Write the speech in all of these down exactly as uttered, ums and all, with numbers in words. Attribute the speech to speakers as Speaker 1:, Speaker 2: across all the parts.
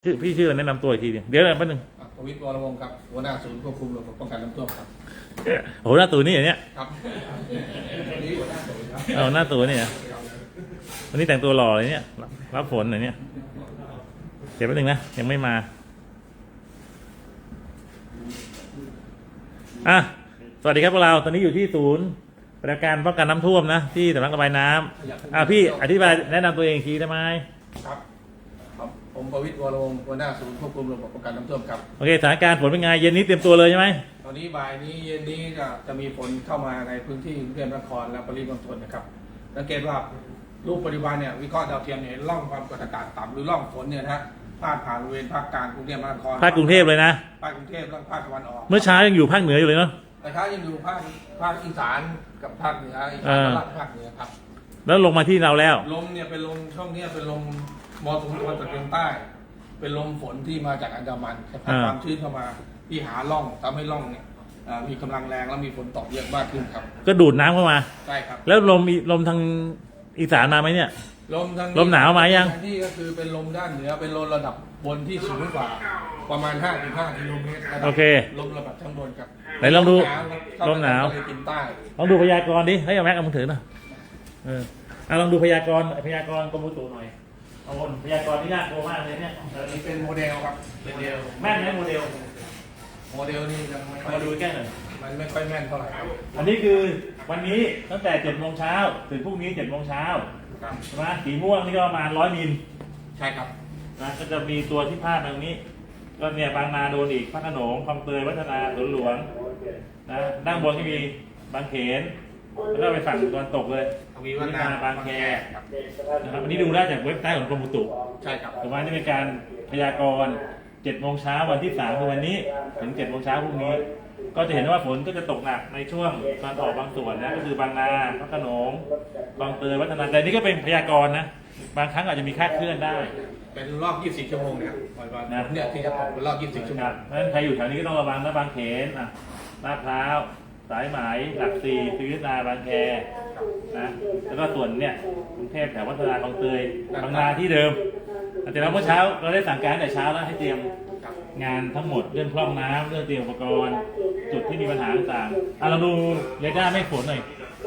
Speaker 1: ชื่อพี่ชื่อแนะนำตัวอีกทีเดี๋ยวแป๊บนึง
Speaker 2: ประวิตร วรวงศ์ครับหัวหน้าศูนย์ควบคุมระบบป้องกันน้ำท่วมครับ
Speaker 1: โหหน้าตัวนี่อย่างเนี้ย
Speaker 2: ครับนี่หัวหน้าศูนย์ครับ
Speaker 1: เอาหน้าตัวนี่วันนี้แต่งตัวหล่อเลยเนี่ยรับฝนอะไรเนี่ยเดี๋ยวแป๊บนึงนะยังไม่มาอ่ะสวัสดีครับพวกเราตอนนี้อยู่ที่ศูนย์ปฏิบัติการป้องกันน้ำท่วมนะที่สำนักระบายน้ำอ่ะพี่อธิบายแนะนำตัวเองทีได้ไหม
Speaker 2: ครับครับผมประวิตร วรวงศ์หัวหน้าศูนย์ควบคุมระบบป้องกันน้ำท่วมครับ
Speaker 1: โอเคสถานการณ์ฝนเป็นไงเย็นนี้เตรียมตัวเลยใช่ไหม
Speaker 2: ตอนนี้บ่ายนี้เย็นนี้จะจะมีฝนเข้ามาในพื้นที่กรุงเทพมหานครและปริมณฑลนะครับสังเกตว่ารูปปัจจุบันเนี่ยวิเคราะห์ดาวเทียมเนี่ยร่องความกดอากาศต่ำหรือร่องฝนเนี่ยนะฮะพาดผ่านบริเวณภาคกลางกรุงเทพมหานคร
Speaker 1: ภาคกรุงเทพเลยนะ
Speaker 2: ภาคกรุงเทพและภาคตะวันออก
Speaker 1: เมื่อเช้ายังอยู่ภาคเหนืออยู่เลยเนาะ
Speaker 2: แต่เช้ายังอยู่ภาคภาคอีสานกับภาคเหนืออีสานกับภาคเหนือครับ
Speaker 1: แล้วลงมาที่เราแล้ว
Speaker 2: ลมเนี่ยเป็นลมช่วงนี้เป็นลมมรสุมตะวันตกเฉียงใต้เป็นลมฝนที่มาจากอันดามันพัดความชื้นเข้ามาที่หาร่องทำให้ร่องเนี่ยมีกำลังแรงแล้วมีฝนตกเยอะมากขึ้นครับ
Speaker 1: ก็ดูดน้ำเข้ามา
Speaker 2: ใช่ครับ
Speaker 1: แล้วลมลมทางอีสานมาไหมเนี่ย
Speaker 2: ลมทาง
Speaker 1: ลมหนาวมายัง
Speaker 2: ที่ก็คือเป็นลมด้านเหนือเป็นลมระดับบนที่สูงกว่าประมาณ ห้าถึงห้า กิโลเมตร
Speaker 1: โอเค
Speaker 2: ลมระดับชั้นบนครับ
Speaker 1: ไหนลองดูลมหนาวลองดูพยากรณ์ดิให้เอาแม็กเอามือถือหน่อยเออลองดูพยากรณ์พยากรณ์กรมอุตุหน่อยเอาบนพยากรณ์ที่น่ากลัวมากเลยเนี่ย
Speaker 2: อันนี้เป็นโมเดลครับโมเดล
Speaker 1: แม่นไหมโมเดล
Speaker 2: โมเดลนี่ยังไม่
Speaker 1: มาดูแก้หน่อย
Speaker 2: มันไม่ค่อยแม่นเท่าไหร่ครับ
Speaker 1: อันนี้คือวันนี้ตั้งแต่เจ็ดโมงเช้าถึงพรุ่งนี้เจ็ดโมงเช้าใช่ไหมสีม่วงนี่ก็ประมาณร้อยมิล
Speaker 2: ใช่ครับ
Speaker 1: นะก็จะมีตัวที่พาดตรงนี้ก็เนี่ยบางนาโดนอีกพระโขนงคลองเตยวัฒนาสวนหลวงนะด้านบนที่มีบางเขนแล้วก็ไปฝั่งตะวันตกเลย
Speaker 2: มีวัฒนา
Speaker 1: บางแคนะครับอันนี้ดูได้จากเว็บไซต์ของกรมอุตุ
Speaker 2: ใช่ครับ
Speaker 1: แต่ว่านี่เป็นการพยากรณ์เจ็ดโมงเช้าวันที่สามคือวันนี้ถึงเจ็ดโมงเช้าพรุ่งนี้ก็จะเห็นว่าฝนก็จะตกหนักในช่วงตอนออกบางส่วนนะก็คือบางนาพระโขนงคลองเตยวัฒนาแต่นี่ก็เป็นพยากรณ์นะบางครั้งอาจจะมีคาดเคลื่อนได้
Speaker 2: เป็นรอบยี่สิบสี่ชั่วโมงนะครับนะเนี่ยที่จะตกเป็นรอบยี่สิบสี่ชั่วโมง
Speaker 1: เพราะฉะนั้นใครอยู่แถวนี้ก็ต้องระวังนะบางเขนอ่ะลาดพร้าวสายไหมหลักสี่ศรีวิทนาบางแคนะแล้วก็ส่วนเนี่ยกรุงเทพแถววัฒนาคลองเตยบางนาที่เดิมแต่เราเมื่อเช้าเราได้สั่งการแต่เช้าแล้วให้เตรียมงานทั้งหมดเรื่องพร่องน้ำเรื่องเตรียมอุปกรณ์จุดที่มีปัญหาต่างๆเราดูเรดาร์ไม่ฝนหน่อย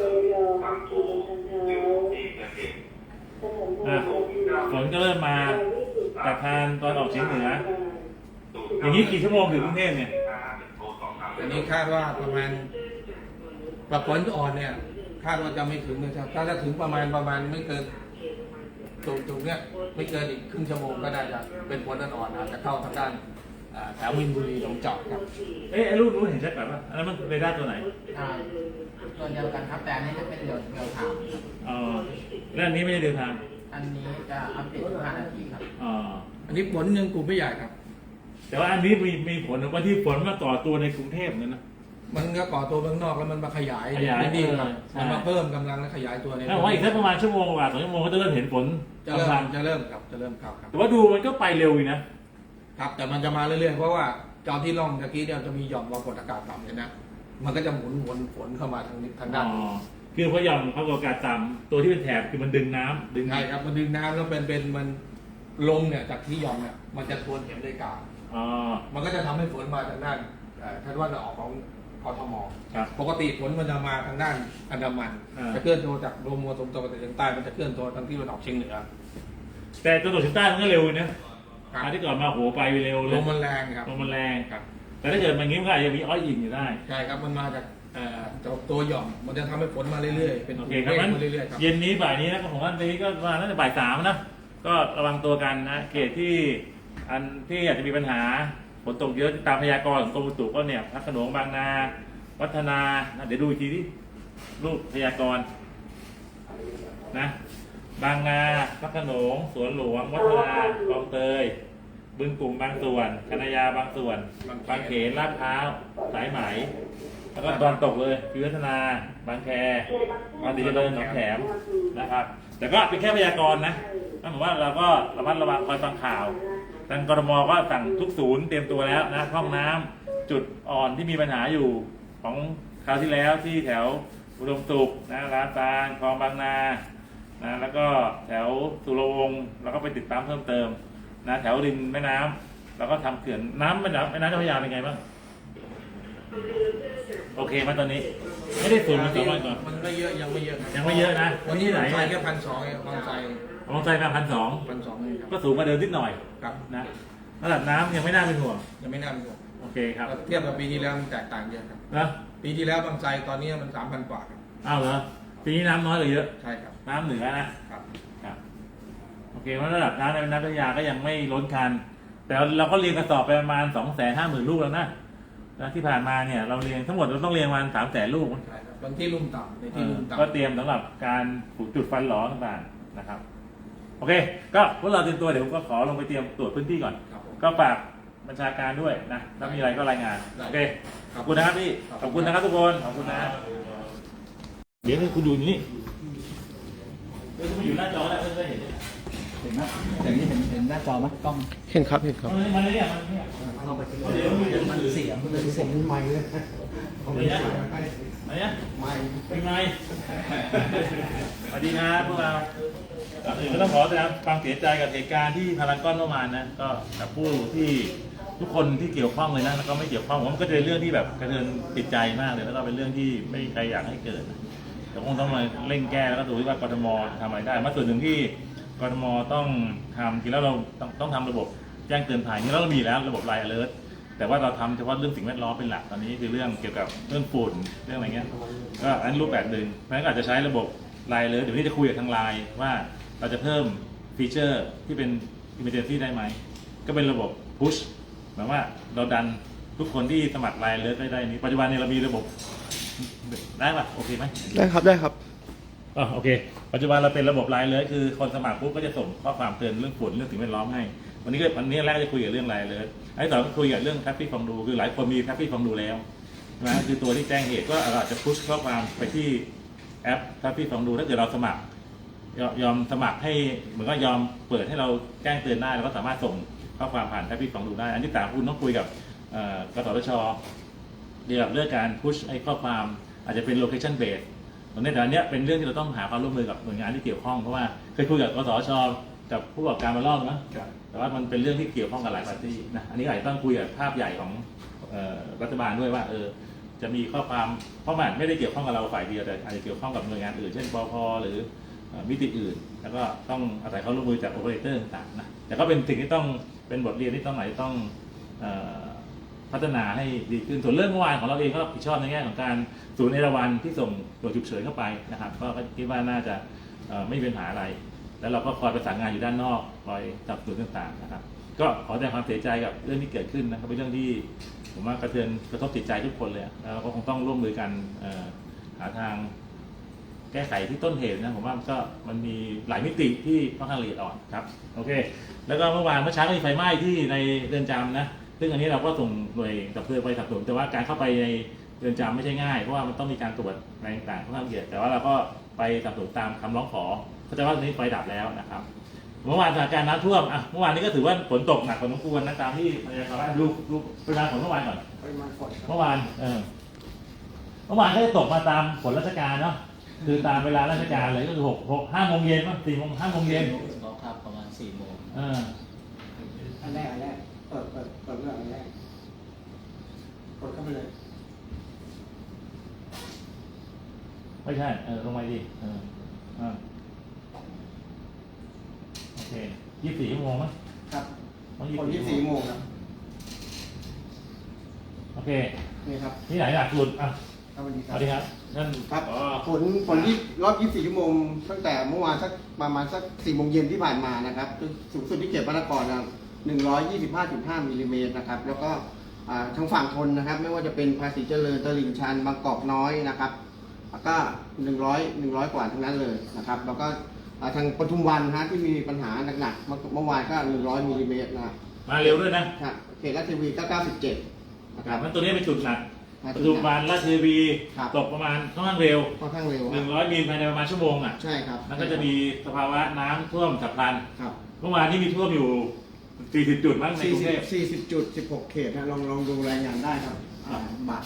Speaker 1: ฝนก็เริ่มมาจากทางตอนออกเฉียงเหนืออย่างนี้กี่ชั่วโมงถึงกรุงเทพเนี่ย
Speaker 2: อันนี้คาดว่าประมาณปรับฝนอ่อนเนี่ยคาดว่าจะไม่ถึงนะครับถ้าจะถึงประมาณประมาณไม่เกินตรงตรงเนี้ยไม่เกินอีกครึ่งชั่วโมงก็ได้จะเป็นฝนอ่อนอาจจะเข้าทางด้านแถวมินบุรีหนองจอกครับ
Speaker 1: เอ๊ะรูปนู้นเห็นชัดแบบว่าอันนั้นมันเรดาร์ตัวไหน
Speaker 3: ตัวเดียวกันครับแต่อันนี้จะเป็นเรียวเรียวไทม์
Speaker 1: อ๋อแล้วอันนี้ไม่ใช่เรียวไทม์
Speaker 3: อันนี้จะอัปเดตทุกห้านาทีครับ
Speaker 1: อ๋อ
Speaker 2: อันนี้ฝนยังกลุ่มไม่ใหญ่ครับ
Speaker 1: แต่ว่าอันนี้มีมีผลว่าที่ฝนมาต่อตัวในกรุงเทพเนี่ยนะ
Speaker 2: มันก็ก่อตัวข้างนอกแล้วมันมาขยายไม่ดีครับมันมาเพิ่มกำลังและขยายตัวใน
Speaker 1: ถ้าว่าอีกสักประมาณชั่วโมงกว่าสองชั่วโมงก็จะเริ่มเห็นฝน
Speaker 2: จะเริ่มจะเริ่มครับจะเริ่มครับ
Speaker 1: แต่ว่าดูมันก็ไปเร็วอยู่นะ
Speaker 2: ครับแต่มันจะมาเรื่อยๆเพราะว่าจอที่ร่องตะกี้เนี่ยจะมีหย่อมความกดอากาศต่ำเนี่ยนะมันก็จะหมุนวนฝนเข้ามาทางนี้ทางด้าน
Speaker 1: คือพอหย่อมความกดอากาศต่ำตัวที่เป็นแถบคือมันดึงน้ำดึง
Speaker 2: ใช่ครับมันดึงน้ำแล้วเป็นเป็นมันลมเนี่ยจากที่หย่อมเนี่ยมันจะทวนเข็มนาฬิกา
Speaker 1: อ๋อ
Speaker 2: มันก็จะทำให้ฝนมาทางด้านท่านว่าจะออกของกทมปกติฝนมันจะมาทางด้านอันดามันจะเคลื่อนตัวจากลมมรสุมตะวันตกเฉียงใต้มันจะเคลื่อนตัวทางที่มันออกเฉียงเหนือ
Speaker 1: แต่ตะวันตกเฉียงใต้มันก็เร็วนะอันที่ก่อนมาโหไปเร็ว
Speaker 2: ลมมันแรงครับ
Speaker 1: ลมมันแรงครับแต่ถ้าเกิดมันงี้มันก็อาจจะมีอ้อยอิงอยู่ได้
Speaker 2: ใช่ครับมันมาจากตัวหย่อมมันจะทำให้ฝนมาเรื่อยๆเป็น
Speaker 1: โอเคครับเรื่อยๆครับเย็นนี้บ่ายนี้นะของวันนี้ก็มาตั้งแต่บ่ายสามนะก็ระวังตัวกันนะเขตที่อันที่อาจจะมีปัญหาฝนตกเยอะตามพยากรณ์ของกรมอุตุก็เนี่ยพระโขนงบางนาวัฒนาเดี๋ยวดูอีกทีที่รูปพยากรณ์นะบางนาพระโขนงสวนหลวงวัฒนาคลองเตยบึงกลุ่มบางส่วนคณะยาบางส่วนบางเขนลาดพร้าวสายไหมแล้วก็ตอนตกเลยพิวัฒนาบางแคบางดีเจริญหนองแขมนะครับแต่ก็เป็นแค่พยากรณ์นะนั่นหมายว่าเราก็ระมัดระวังคอยฟังข่าวทางกรมก็สั่งทุกศูนย์เตรียมตัวแล้วนะห้องน้ำจุดอ่อนที่มีปัญหาอยู่ของคราวที่แล้วที่แถวอุดมสุขนะร้านตาลคลองบางนานะแล้วก็แถวสุรวงศ์แล้วก็ไปติดตามเพิ่มเติมนะแถวริมแม่น้ำแล้วก็ทำเขื่อนน้ำแม่น้ำแม่น้ำเจ้าพระยาเป็นไงบ้างโอเคไหมตอนนี้ไม่ได้สูงเหมือนสองวันก่อน
Speaker 2: มันไม่เยอะยังไม่เยอะ
Speaker 1: ยังไม่เยอะนะ
Speaker 2: วันนี้
Speaker 1: ที่ไหน
Speaker 2: ใส่แค่พันสองเองบางไทร
Speaker 1: ลองใจมาพันสอง
Speaker 2: พันสองเองครับ
Speaker 1: ก็สูงกว่าเดิมนิดหน่อย
Speaker 2: ครับ
Speaker 1: นะระดับน้ำยังไม่น่าเป็นห่วง
Speaker 2: ยังไม่น่าเป็นห่วง
Speaker 1: โอเคครับ
Speaker 2: เทียบกับปีที่แล้วมันแตกต่างเยอะครับ
Speaker 1: นะ
Speaker 2: ปีที่แล้วบางไทรตอนนี้มันสามพันกว่าครับ
Speaker 1: อ้าวเหรอปีนี้น้ำน้อยกว่าเยอะ
Speaker 2: ใช่ครับ
Speaker 1: น้ำเหนือนะครับ ครับโอเคเพราะระดับน้ำในแม่น้ำเจ้าพระยาก็ยังไม่ล้นคัน แต่เราก็เรียงกระสอบไปประมาณสองแสนห้าหมื่นลูกแล้วนะนะที่ผ่านมาเนี่ยเราเรียงทั้งหมดเราต้องเรียงประมาณสามแสนลูก
Speaker 2: ใช่ครับบางที่ลุ่มต่ำในที่ลุ่มต่ำ
Speaker 1: ก็เตรียมสำหรับการผูกจุดฟันหลอต่างๆนะครับ โอเค ก็พวกเราเตรียมตัวเดี๋ยวผมก็ขอลงไปเตรียมตรวจพื้นที่ก่อน
Speaker 2: ครับผม
Speaker 1: ก็ฝากบัญชาการด้วยนะถ้ามีอะไรก็รายงาน
Speaker 2: ได้
Speaker 1: โอเค
Speaker 2: ค
Speaker 1: ข
Speaker 2: รับ
Speaker 1: อบคุณนะครับพี่
Speaker 2: ครับ
Speaker 1: ขอบคุณนะครับทุกคนขอบคุณนะเดี๋ยวคุณดูนี่เดี๋ยวคุณอยู่หน้าจอแล้วเพื่อนๆเห็นไหม
Speaker 3: เห็นไหมอย่างนี้เห็นเห็นหน้าจอไหมกล้อง
Speaker 2: เห็นครับเห็นครับ
Speaker 1: มันมันเนี่ยมันเนี่ย
Speaker 3: เข้าไป
Speaker 1: เดี๋ยวมันเดี๋ยว
Speaker 3: มั
Speaker 1: มัน น
Speaker 3: เสียงมันเลยเสียง
Speaker 2: ใหม่เลย
Speaker 1: เดี๋ยวนะอะไรเนี่ย
Speaker 2: ใหม่
Speaker 1: เป็นไง สวัสดีครับพวกเราก่อนอื่นก็ต้องขอแสดงความเสียใจกับเหตุการณ์ที่พารากอนเมื่อวานนะ ก็กับผู้ที่ทุกคนที่เกี่ยวข้องเลยนะ แล้วก็ไม่เกี่ยวข้องผมว่ามันก็จะเป็นเรื่องที่แบบกระเทือนจิตใจมากเลย แล้วก็เป็นเรื่องที่ไม่มีใครอยากให้เกิดนะแต่คงต้องมาเร่งแก้แล้วก็ดูว่ากทมทำอะไรได้มาส่วนหนึ่งที่กทมต้องทำทีแล้วเราต้องต้องทำระบบแจ้งเตือนภัยนี่เรามีแล้วระบบไลน์ alert แต่ว่าเราทำเฉพาะเรื่องสิ่งแวดล้อมเป็นหลักตอนนี้คือเรื่องเกี่ยวกับเรื่องฝุ่นเรื่องอะไรเงี้ยก็อันรูปแบบหนึ่งเพราะฉะนั้นก็อาจจะใช้ระบบไลน์เลยเดี๋ยววันนี้จะคุยกับทางไลน์ว่าเราจะเพิ่มฟีเจอร์ที่เป็น emergency ได้ไหมก็เป็นระบบ push หมายว่าเราดันทุกคนที่สมัครไลน์เลยได้ได้นี้ปัจจุบันเนี่ยเรามีระบบได้ป่ะโอเคไหม
Speaker 2: ได้ครับได้ครับ
Speaker 1: อ๋อโอเค ปัจจุบันเราเป็นระบบไลน์เลยคือคนสมัครปุ๊บก็จะส่งข้อความเตือนเรื่องฝุ่นเรื่องสิ่งแวดล้อมให้วันนี้ก็วันนี้แรกจะคุยกับเรื่องไลน์เลยไอ้ต่อก็คุยกับเรื่องแท็บฟี่ฟองดูคือหลายคนมีแท็บฟี่ฟองดูแล้วนะคือตัวที่แจ้งเหตุก็อาจจะพุชข้อความไปที่แอปแท็บฟี่ฟองดูถ้าเกิดเราสมัครยอมยอมสมัครให้เหมือนก็ยอมเปิดให้เราแจ้งเตือนได้แล้วก็สามารถส่งข้อความผ่านแท็บฟี่ฟองดูได้อันที่สามคุณต้องคุยกับเอ่อกสทชเกี่ยวกับเรื่องการพุชไอ้ข้อความอาจจะเป็น location based ตรงนี้แต่อันเนี้ยเป็นเรื่องที่เราต้องหาความร่วมมือกับหน่วยงานที่เกี่ยวข้องเพราะว่าเคยคุยกับกสทชกับผู้ประกอบการมารอบนะแต่ว่ามันเป็นเรื่องที่เกี่ยวข้องกับหลายปาร์ตี้นะอันนี้อาจจะต้องคุยกับภาพใหญ่ของเอ่อรัฐบาลด้วยว่าเออจะมีข้อความเพราะมันไม่ได้เกี่ยวข้องกับเราฝ่ายเดียวแต่อาจจะเกี่ยวข้องกับหน่วยงานอื่นเช่นปภหรือเอ่อมิติอื่น แล้วก็ต้องอาศัยความร่วมมือจากโอเปอเรเตอร์ต่างๆนะแต่ก็เป็นสิ่งที่ต้องเป็นบทเรียนที่ต้องไหนต้องเอ่อพัฒนาให้ดีขึ้นส่วนเรื่องเมื่อวานของเราเองก็รับผิดชอบในแง่ของการศูนย์เอราวัณที่ส่งตัวฉุกเฉินเข้าไปนะครับก็คิดว่าน่าจะเอ่อไม่มีปัญหาอะไร แล้วเราก็คอยประสานงานอยู่ด้านนอกคอยจับศูนย์ต่างๆนะครับก็ขอแสดงความเสียใจกับเรื่องที่เกิดขึ้นนะครับเป็นเรื่องที่ผมว่ากระเทือนกระทบจิตใจทุกคนเลยอะแล้วเราก็คงต้องร่วมมือกันเอ่อหาทางแก้ไขที่ต้นเหตุนะผมว่ามันก็มันมีหลายมิติที่ค่อนข้างละเอียดอ่อนครับโอเคแล้วก็เมื่อวานเมื่อเช้าก็มีไฟไหม้ที่ในเรือนจำนะซึ่งอันนี้เราก็ส่งหน่วยดับเพลิงไปสนับสนุนแต่ว่าการเข้าไปในเรือนจำไม่ใช่ง่ายเพราะว่ามันต้องมีการตรวจอะไรต่างๆค่อนข้างละเอียดแต่ว่าเราก็ไปสนับสนุนตามคำร้องขอเข้าใจว่าตอนนี้ไฟดับแล้วนะครับเมื่อวานสถานการณ์น้ำท่วมอ่ะเมื่อวานนี้ก็ถือว่าฝนตกหนักพอสมควรนะตามที่พยากรณ์ว่าดูดูปริมาณฝนเมื่อวานก่อน
Speaker 2: ปริมาณฝน
Speaker 1: เมื่อวานเออเมื่อวานก็จะตกมาตามฝนราชการเนาะคือตามเวลาราชการเลยก็คือหกหกห้าโมงเย็นมั้งสี่โมงห้าโมงเย็น
Speaker 3: ก็ครับประมาณสี่โมง
Speaker 1: เออ
Speaker 2: อันแรกอันแรกเปิดเปิดเปิดเรื่องอันแรกกดเข้าไปเลย
Speaker 1: ไม่ใช่เออลงไปดิเอออ่าโอเคยี่สิบสี่ชั่วโมงมั้ง
Speaker 2: ครับ
Speaker 1: ต้อง
Speaker 2: คนยี่สิบสี่โมงครับ
Speaker 1: โอเค
Speaker 2: นี่ครับ
Speaker 1: ที่ไหนหลักสุดอ่ะ
Speaker 2: สวัสดี
Speaker 1: ส
Speaker 2: ครับ
Speaker 1: วัสดีครับท่าน
Speaker 2: ครับ
Speaker 1: อ๋อ
Speaker 2: ผลผลที่รอบยี่สิบสี่ชั่วโมงตั้งแต่เมื่อวานสักประมาณสักสี่โมงเย็นที่ผ่านมานะครับสูงสุดที่เขตพระนครนะหนึ่งร้อยยี่สิบห้าจุดห้ามิลลิเมตรนะครับแล้วก็อ่าทางฝั่งทนนะครับไม่ว่าจะเป็นภาษีเจริญตลิ่งชันบางกอกน้อยนะครับแล้วก็หนึ่งร้อยหนึ่งร้อยกว่าทั้งนั้นเลยนะครับแล้วก็อ่าทางปทุมวันฮะที่มีปัญหาหนักๆเมื่อเมื่อวานก็หนึ่งร้อยมิลลิเมตรนะครับ
Speaker 1: มาเร็วด้วยนะครับ
Speaker 2: เขตราชเทวีก็เก้าสิบเจ็ดนะ
Speaker 1: ค
Speaker 2: ค
Speaker 1: รั
Speaker 2: รั
Speaker 1: บบ มันตัวนี้เป็นจุดหนัก
Speaker 2: ครับ
Speaker 1: ปัจจุบันราชเทวี
Speaker 2: ครับ
Speaker 1: ตกประมาณค่อนข้างเร็ว
Speaker 2: ค่อนข้างเร็ว
Speaker 1: หนึ่งร้อยมิลภายในประมาณชั่วโมงอ่ะ
Speaker 2: ใช่ครับ
Speaker 1: มันก็จะมีสภาวะน้ำท่วมฉับพลัน
Speaker 2: ครับ
Speaker 1: เมื่อวานนี้มีท่วมอยู่สี่สิบจุดมั้งในกรุงเทพ
Speaker 2: สี่สิบจุดสิบหกเขตนะลองลองดูรายงานได้ครับอ่าบัตร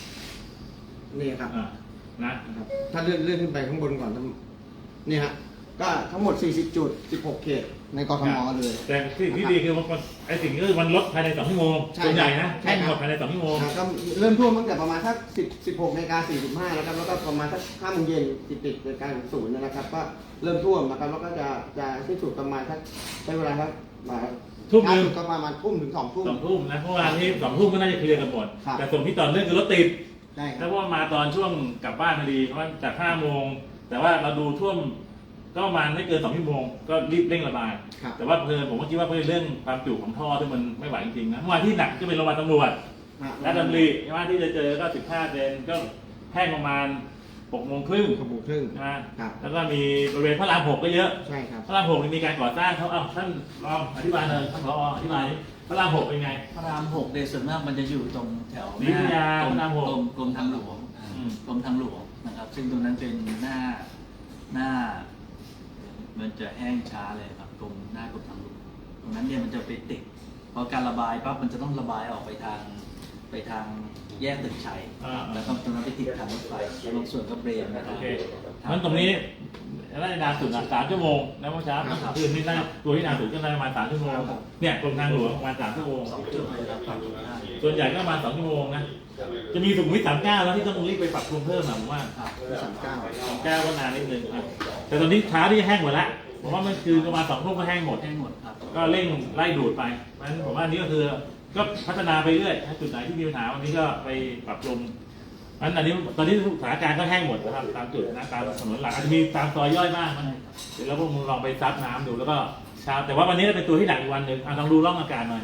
Speaker 2: นี่ครับ
Speaker 1: อ่ะนะ
Speaker 2: นะครับ ถ้าเลื่อนเลื่อนขึ้นไปข้างบนก่อนนี่ฮะ
Speaker 4: ก็ทั้งหมดสี่สิบจุดสิบหกเขตในกทมเลย
Speaker 1: แต่สิ่งที่ดีคือมันไอ้สิ่งที่คือมันลดภายในสองชั่วโมง
Speaker 4: ใช่
Speaker 1: ส่วนใหญ่นะ
Speaker 4: ใช่
Speaker 1: แห้ง
Speaker 4: ครับ
Speaker 1: หมดภายในสองชั่วโมง
Speaker 4: อ่าก็เริ่มท่วมตั้งแต่ประมาณสักสิบสิบหกนาฬิกาสี่สิบห้าแล้วครับแล้วก็ประมาณสักห้าโมงเย็นติดติดในการศูนย์นะครับก็เริ่มท่วมนะครับแล้วก็จะจะสิ้นสุดประมาณสักใช้เวลาสักมา
Speaker 1: ทุ่มหนึ่ง
Speaker 4: ล่าสุดก็ประมาณทุ่มถึงสองทุ่ม
Speaker 1: สองทุ่มนะเพราะว่าที่สองทุ่มก็น่าจะเคลียร์กันหมด
Speaker 4: ครับ
Speaker 1: แต่ส่วนที่ต่อเนื่องคือรถติด
Speaker 4: ใช่ค
Speaker 1: แล้
Speaker 4: รั
Speaker 1: ว
Speaker 4: บ
Speaker 1: เพราะว่ามาตอนช่วงกลับบ้านพอดีเพราะว่าจากห้าโมงแต่ว่าเราดูท่วมก็ประมาณไม่เกินสองชั่วโมงก็รีบเร่งระบาย
Speaker 4: ครับ
Speaker 1: แต่ว่าเพลินผมก็คิดว่าเพื่อเรื่องความจุของท่อที่มันไม่ไหวจริงๆนะเมื่อวานที่หนักก็เป็นโรงพยาบาลตำรวจ
Speaker 4: อ่า
Speaker 1: และดำรีใช่ไหมที่จะเจอก็สิบห้าเซนก็แห้งประมาณหกโมงครึ่ง
Speaker 4: ขบวนครึ่ง
Speaker 1: ใช่ไหม
Speaker 4: ครับ
Speaker 1: แล้วก็มีบริเวณพระรามหกก็เยอะ
Speaker 4: ใช่ครับ
Speaker 1: พระรามหกนี่มีการก่อสร้างเขาเอ้าท่านรองอธิบายเลยท่านรองอธิบายดิพระรามหกเป็นไง
Speaker 5: พระรามหกในยส่วนมากมันจะอยู่ตรงแถว
Speaker 1: วิทยาก
Speaker 5: รม
Speaker 1: พระรามหก
Speaker 5: กรมกรมทางหลวงอ่า
Speaker 1: อืม
Speaker 5: กรมทางหลวงนะครับ ซึ่งตรงนั้นเป็นหน้าหน้า มันจะแห้งช้าเลยครับกรมหน้ากรมทางหลวงตรงนั้นเนี่ยมันจะไปติดพอการระบายปั๊บมันจะต้องระบายออกไปทางไปทางแยกตึกชัย
Speaker 1: อ่า
Speaker 5: แล้วก็ตรงนั้นไปติดทางรถไฟแล้วบางส่วนก็เบรนไป
Speaker 1: โอ
Speaker 5: ทาง
Speaker 1: เคงั้นตรงนี้น่าจะนานสุดอ่ะสามชั่วโมงนะเมื่อเช้าคืนนี่น่าตัวที่นานสุดก็น่าจะประมาณสามชั่วโมงเนี่ยกรมทางหลวงประมาณสามชั่วโมง
Speaker 5: สองจุดเลยครับฝั่งตรงข้าม
Speaker 1: ส่วนใหญ่ก็ประมาณสองชั่วโมงนะจะมีสุขุมวิทสามเก้าแล้วที่ต้องรีบไปปรับปรุงเพิ่มอ่ะผมว่า
Speaker 5: ครับ
Speaker 4: สามเก้า
Speaker 1: สามเก้าก็นานนิดนึงอ่ะแต่ตอนนี้ช้าที่แห้งหมดแล้วผมว่ามันคือประมาณสองทุ่มก็แห้งหมด
Speaker 5: แห้งหมดครับ
Speaker 1: ก็เร่งไล่ดูดไปเพราะฉะนั้นผมว่าอันนี้ก็คือก็พัฒนาไปเรื่อยถ้าจุดไหนที่มีปัญหาวันนี้ก็ไปปรับปรุงเพราะฉะนั้นอันนี้ตอนนี้สถานการณ์ก็แห้งหมดนะครับตามจุดนะตามถนนหลักอาจจะมีตามซอยย่อยบ้างนะเดี๋ยวเราพวกมึงลองไปซับน้ำดูแล้วก็เช้าแต่ว่าวันนี้เป็นตัวที่หนักอีกวันหนึ่งอ่ะลองดูร่องอากาศหน่อย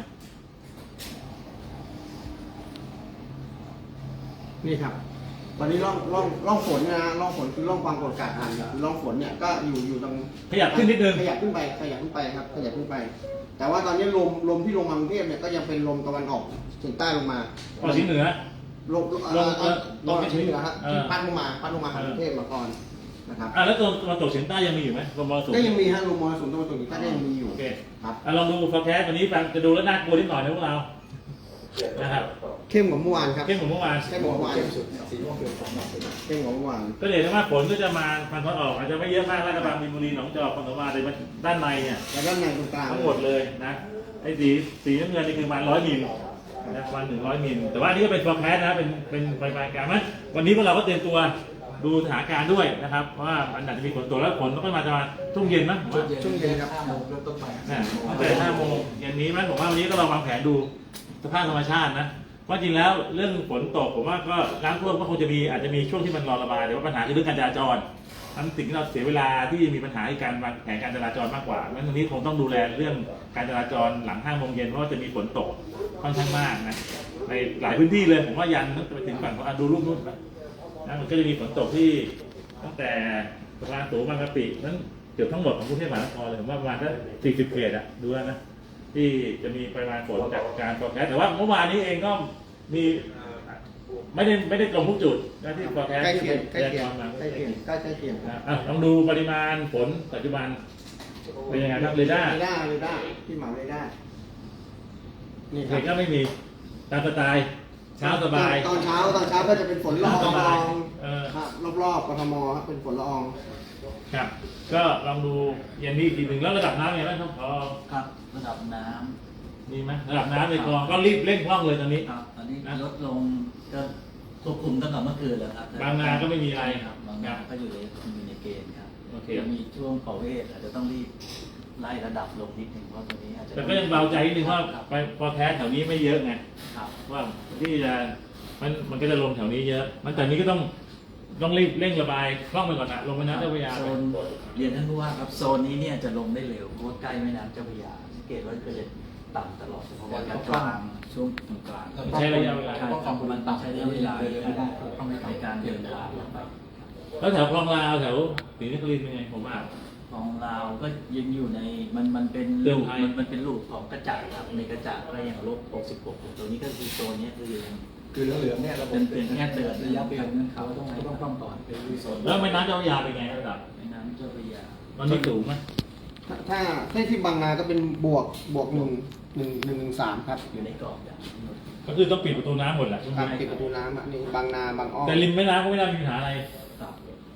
Speaker 4: นี่ครับ ตอนนี้ร่องร่องร่องฝนนะร่องฝนคือร่องความกดอากาศต่ำเนี่ยร่องฝนเนี่ยก็อยู่อยู่ตรง
Speaker 1: ขยับขึ้นนิดนึง
Speaker 4: ขยับขึ้นไปขยับขึ้นไปครับขยับขึ้นไป แต่ว่าตอนนี้ลมลมที่ลงมากรุงเทพเนี่ยก็ยังเป็นลมตะวันออกเฉียงใต้ลงมา
Speaker 1: ออกเฉียงเหนือ
Speaker 4: ลม
Speaker 1: ลม
Speaker 4: เอ่อ
Speaker 1: ล
Speaker 4: ล
Speaker 1: ม
Speaker 4: มเฉียงเหนือครับ
Speaker 1: เออ
Speaker 4: ที่พัดลงมาพัดลงมาหากรุงเทพมาก่อนนะครับ
Speaker 1: อ่ะแล้วตัวตะวันตกเฉียงใต้ยังมีอยู่ไหมลมมรสุม
Speaker 4: ก็ยังมีฮะลมมรสุมตะวันตกเฉียงใต้ก็ยังมีอยู่
Speaker 1: โอเค
Speaker 4: ครับ
Speaker 1: อ่ะลองดูโฟร์แคสต์วันนี้ฟังจะดูแล้วน่ากลัวนิดหน่อยนะพวกเรานะครับ
Speaker 4: เข้มกว่าเมื่อวานครับ
Speaker 1: เข้มกว่าเมื่อวาน
Speaker 4: เข้มกว่าเมื่อวานเข้มกว่าเมื่อวาน
Speaker 1: ก็เห็นว่าฝนก็จะมาพันธุ์ออกอาจจะไม่เยอะมากลาดกระบังมีนบุรีหนองจอกคอนสวาแต่ว่าด้านในเนี่ย
Speaker 4: แล้วด้านในตรงกลาง
Speaker 1: ทั้งหมดเลยนะไอ้สีสีน้ำเงินนี่คือประมาณร้อยมิลนะประมาณหนึ่งร้อยมิลแต่ว่าอันนี้ก็เป็นฟอร์แคสต์นะเป็นเป็นปลายๆการมั้ยวันนี้พวกเราก็เตรียมตัวดูสถานการณ์ด้วยนะครับว่ามันอาจจะมีฝนตกแล้วฝนก็มาจะมาทุ่งเย็นมั้งผมว่า
Speaker 4: ช่วงเย็นครับ
Speaker 5: ห้าโมงเริ่มต้นไป
Speaker 1: นะตั้งแต่ห้าโมงเย็นนี้มั้ยผมว่าวันนี้ก็ลองวางแผนดูสภาพธรรมชาตินะว่าจริงแล้วเรื่องฝนตกผมว่าก็น้ำท่วมก็คงจะมีอาจจะมีช่วงที่มันรอระบายแต่ว่าปัญหาคือเรื่องการจราจรทั้งสิ่งที่เราเสียเวลาที่มีปัญหาในการวางแผนการจราจรมากกว่าเพราะฉะนั้นตรงนี้คงต้องดูแลเรื่องการจราจรหลังห้าโมงเย็นเพราะว่าจะมีฝนตกค่อนข้างมากนะในหลายพื้นที่เลยผมว่ายันไปถึงฝั่งของอ่ะดูรูปนู้นนะนะมันก็จะมีฝนตกที่ตั้งแต่สะพานสูงบางกะปินั้นเกือบทั้งหมดของกรุงเทพมหานครเลยผมว่าประมาณสักสี่สิบเขตอะดูแล้วนะที่จะมีปริมาณฝนจากการฟอร์แคสต์แต่ว่าเมื่อวานนี้เองก็มีไม่ได้ไม่ได้ตรงทุกจุดนะที่ฟอร์แคสต์
Speaker 4: ใกล้
Speaker 1: ที่
Speaker 4: เคียงใกล้
Speaker 1: พ
Speaker 4: เคีย
Speaker 1: ยาง กรณ์มา
Speaker 4: ใกล้เคียงใกล้ใกล้เคียง
Speaker 1: นะอ่ะลองดูปริมาณฝนปัจจุบันเป็นยังไงครับเรดาร์
Speaker 4: เรดาร์เรดาร์ที่หมาเรดาร์นี่ค
Speaker 1: เด็
Speaker 4: รั
Speaker 1: ก
Speaker 4: บ
Speaker 1: ก็ไม่มีตามสไตล์เช้าสบาย
Speaker 4: ตอนเช้าตอนเช้าก็จะเป็นฝนละออง
Speaker 1: สบาย
Speaker 4: ละออง
Speaker 1: เออ
Speaker 4: ครับรอบๆกทมครับเป็นฝนละออง
Speaker 1: ครับ ก็ลองดูเย็นนี้อีกทีหนึ่งแล้วระดับน้ำยังไงบ้างครับพอ
Speaker 5: ครับระดับน้ำ
Speaker 1: มีไหมระดับน้ำในคลองก็รีบเร่งคล่องเลยตอนนี้
Speaker 5: ครับตอนนี้
Speaker 1: นะ
Speaker 5: ลดลงก็ควบคุมตั้งแต่เมื่อคืนแล้วครับ
Speaker 1: บางนาก็ไม่มีอะไร
Speaker 5: ครับบางนาก็อยู่ในอยู่ในเกณฑ์ครับ
Speaker 1: โอเค
Speaker 5: จะมีช่วงประเวศอาจจะต้องรีบไล่ระดับลงนิดหนึ่งเพราะตรงนี้อาจจะ
Speaker 1: แต่ก็ยังเบาใจนิดนึงว่า
Speaker 5: ครับ
Speaker 1: ไปพอแคสแถวนี้ไม่เยอะไง
Speaker 5: ครับ
Speaker 1: ว่าที่จะมันมันก็จะลงแถวนี้เยอะ มันแต่นี้ก็ต้องต้องรีบเร่งระบายคล่องไปก่อนนะลงแม่น้ำเจ้าพระยา
Speaker 5: โซ
Speaker 1: ไป
Speaker 5: นเรียนท่านผู้ว่าครับโซนนี้เนี่ยจะลงได้เร็วเพราะว่าใกล้แม่น้ำเจ้าพระยาสังเกตว่าก็จะต่ำตลอดเพราะว่าการกลางช่วงกลาง
Speaker 1: ใช้ระยะเวลา
Speaker 5: ใช่ครับมันต้องใช้ระยะเวลาในการในการเดินทางลงไป
Speaker 1: แล้วแถวคลองลาวแถวศรีนครินทร์เป็นไงผมว่า
Speaker 5: ของเราก็ยังอยู่ในมันมันเป็น
Speaker 1: เตือน
Speaker 5: ลูก
Speaker 1: ภัย
Speaker 5: มันมันเป็นลูกของกระจาดครับในกระจาดก็ยังลบหกสิบหกตัวนี้ก็คือโซนนี้คือยัง
Speaker 2: คือเหลืองๆเนี่ยเรา
Speaker 5: เป็นเป็นแค่เตือนระยะเตือนเขาต้องต้องต้องก่อนไปดูโซน
Speaker 1: แล้วแม่น้ำเจ้าพระยาเป็นไงระดับ
Speaker 5: แม่น้ำเจ้าพระยา
Speaker 1: ตอนนี้สูงไหม
Speaker 4: ถ้าถ้าถ้าที่บางนาก็เป็นบวกบวกหนึ่งหนึ่งหนึ่งหนึ่งสามครับ
Speaker 5: อยู่ในกรอบอย่าง
Speaker 1: ก็คือต้องปิดประตูน้ำหมดแหละ
Speaker 4: ครับปิดประตูน้ำอ่ะนี่บางนาบางอ้อ
Speaker 1: แต่ริมแม่น้ำก็ไม่น่ามีปัญหาอะไร
Speaker 5: ครับ
Speaker 4: ค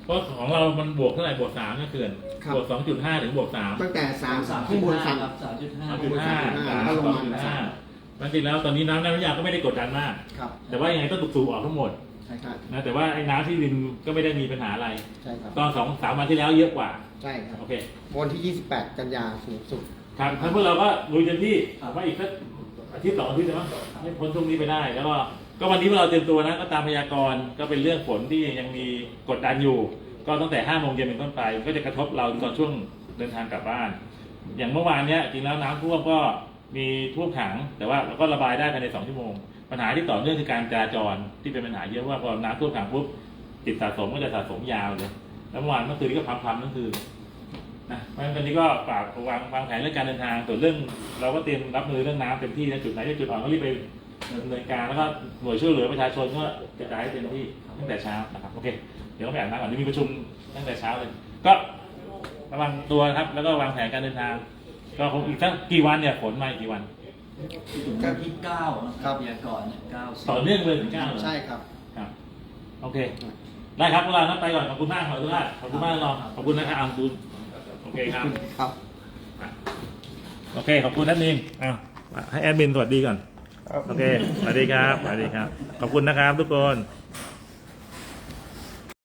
Speaker 1: เพราะของเรามันบวกเท่าไหร่บวกสามนะเขื่อน
Speaker 4: ครับ
Speaker 1: บวกสองจุดห้าถึงบวกสาม
Speaker 4: ตั้งแต่สาม
Speaker 5: สาม
Speaker 4: ข้างบนสาม
Speaker 5: ครับสามจุดห้า
Speaker 1: สามจุดห้า
Speaker 4: สาม
Speaker 1: สาม
Speaker 4: ก็ลง
Speaker 1: สอง
Speaker 4: มา
Speaker 1: จุดห้าจริงๆแล้วตอนนี้น้ำในพัทยาก็ไม่ได้กดดันมาก
Speaker 4: ครับ
Speaker 1: แต่ว่ายังไงต้องสูบออกทั้งหมด
Speaker 4: ใช่ครับ
Speaker 1: นะแต่ว่าไอ้น้ำที่ริมก็ไม่ได้มีปัญหาอะไร
Speaker 4: ใช่ครับ
Speaker 1: ตอนสองสามวันที่แล้วเยอะกว่า
Speaker 4: ใช่ครับ
Speaker 1: โอเค
Speaker 4: วันที่ยี่สิบแปดกันยาสูงสุด
Speaker 1: ครับทั้งพวกเราก็ลุยเต็มที่ว่าอีกสักอาทิตย์สองอาทิตย์นะให้พ้นช่วงนี้ไปได้ แล้วก็ก็วันนี้พวกเราเตรียมตัวนะก็ตามพยากรณ์ก็เป็นเรื่องฝนที่ยังมีกดดันอยู่ ก็ตั้งแต่ห้าโมงเย็นเป็นต้นไปก็จะกระทบเราตอนช่วงเดินทางกลับบ้าน อย่างเมื่อวานเนี้ยจริงแล้วน้ำท่วมก็มีท่วมขัง แต่ว่าเราก็ระบายได้ภายในสองชั่วโมง ปัญหาที่ต่อเนื่องคือการจราจรที่เป็นปัญหาเยอะว่าพอน้ำท่วมขังปุ๊บติดสะสมก็จะสะสมยาวเลยแล้วเมื่อวานเมื่อคืนนี้ก็พัมๆนั่นคือนะเพราะฉะนั้นตอนนี้ก็ฝากวางวางแผนเรื่องการเดินทางส่วนเรื่อง เราก็เตรียมรับมือเรื่องน้ำเต็มที่นะจุดไหนที่จุดอ่อนก็รีบไปดำเนินการแล้วก็หน่วยช่วยเหลือประชาชนก็กระจายให้เต็มที่ตั้งแต่เช้านะครับโอเคเดี๋ยวเราไปอ่านน้ำก่อนที่มีประชุมตั้งแต่เช้าเลย ก็ระวังตัวครับแล้วก็วางแผนการเดินทาง ก็คงอีกสักกี่วันเนี่ยฝนมาอีกกี่วัน
Speaker 5: ถึงวันที่เก้านะครับพยากรณ์เนี่ยเก้าสิบ
Speaker 1: ต่อเนื่องเลยถึงเก้าเหรอ
Speaker 4: ใช่ครับ
Speaker 1: ครับโอเค ได้ครับพวกเรานะไปก่อนขอบคุณมากขอบคุณมากขอบคุณมากรองขอบคุณนะครับอ่าขอบคุณโอเคครับ
Speaker 4: ครับ
Speaker 1: โอเคขอบคุณนัทนิงอ้าวให้แอดมินสวัสดีก่อนโอเคสวัสดีครับสวัสดีครับขอบคุณนะครับทุกคน